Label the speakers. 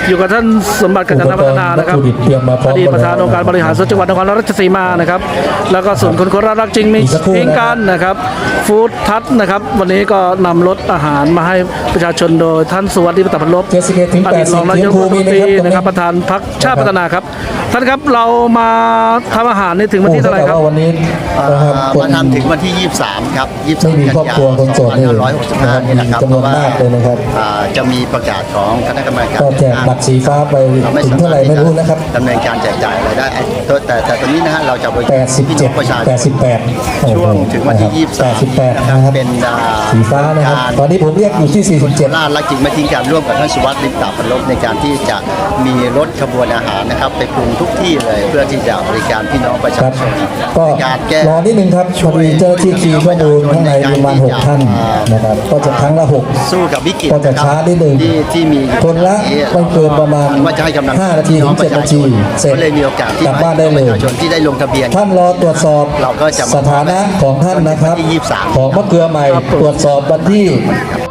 Speaker 1: อยู่กับท่านสมบัติกัญจนพัฒนานะครับอดีตประธานองค์การบริหารส่วนจังหวัดนครราชสีมานะครับแล้วก็ส่วนคนโคราชรักจริงมีทิ้งกันนะครับฟู้ดทัชนะครับวันนี้ก็นำรถอาหารมาให้ประชาชนโดยท่านสุวัสดิ์ปตับลบอดีตรองนายกรัฐมนตรีนะครับประธานพรรคชาติพัฒนาครับท่านครับเรามาทำอาหารนี่ถึงวันที่เท่าไหร่ครับ
Speaker 2: วันนี้
Speaker 3: มาทำถึงวันที่23ครับ
Speaker 2: 23กันยายน
Speaker 3: 2565นี่นะครับเพราะว่าจะมีประกาศของคณะกรรมการ
Speaker 2: ก็แจกบัตรสีฟ้าไปถึงเท่าไหร่ไม่รู้นะครับ
Speaker 3: ดำเนินการแจกจ่ายอะไรได้แต่ตอนนี้นะฮะเราจะไป
Speaker 2: 87
Speaker 3: ประชาชน
Speaker 2: 88
Speaker 3: ช่วงถึงวันที่
Speaker 2: 88นะครับ
Speaker 3: เป็น
Speaker 2: สีฟ้านะครับตอนนี้ผมเรียกอยู่ที่47
Speaker 3: ราชรักจริงไม่ทิ้งการร่วมกับท่านสุวัสดิ์ลิปตาพันลบในการที่จะมีรถขบวนอาหารนะครับไปปรุงทุกที่เลยเพื่อที่จะบริการพี่น้องประชาชน
Speaker 2: ก็รอนิดนึงครับพอดีเจ้าที่คีย์ข้อมูลข้างในประมาณ6ท่านนะครับก็จะครั้งละ6
Speaker 3: สู้กับวิกฤต
Speaker 2: ก็จะช้านิดนึง
Speaker 3: ที่มี
Speaker 2: คนละไม่เกินประมาณ5 นาทีถึง 7 นาทีเสร็จ
Speaker 3: เลยมีโอกาสที่
Speaker 2: กลับบ้านได้เลย
Speaker 3: ประชาชนที่ได้ลงทะเบียน
Speaker 2: ท่านรอตรวจสอบสถานะของท่านนะครับของมะเกลือใหม่ตรวจสอบวันที่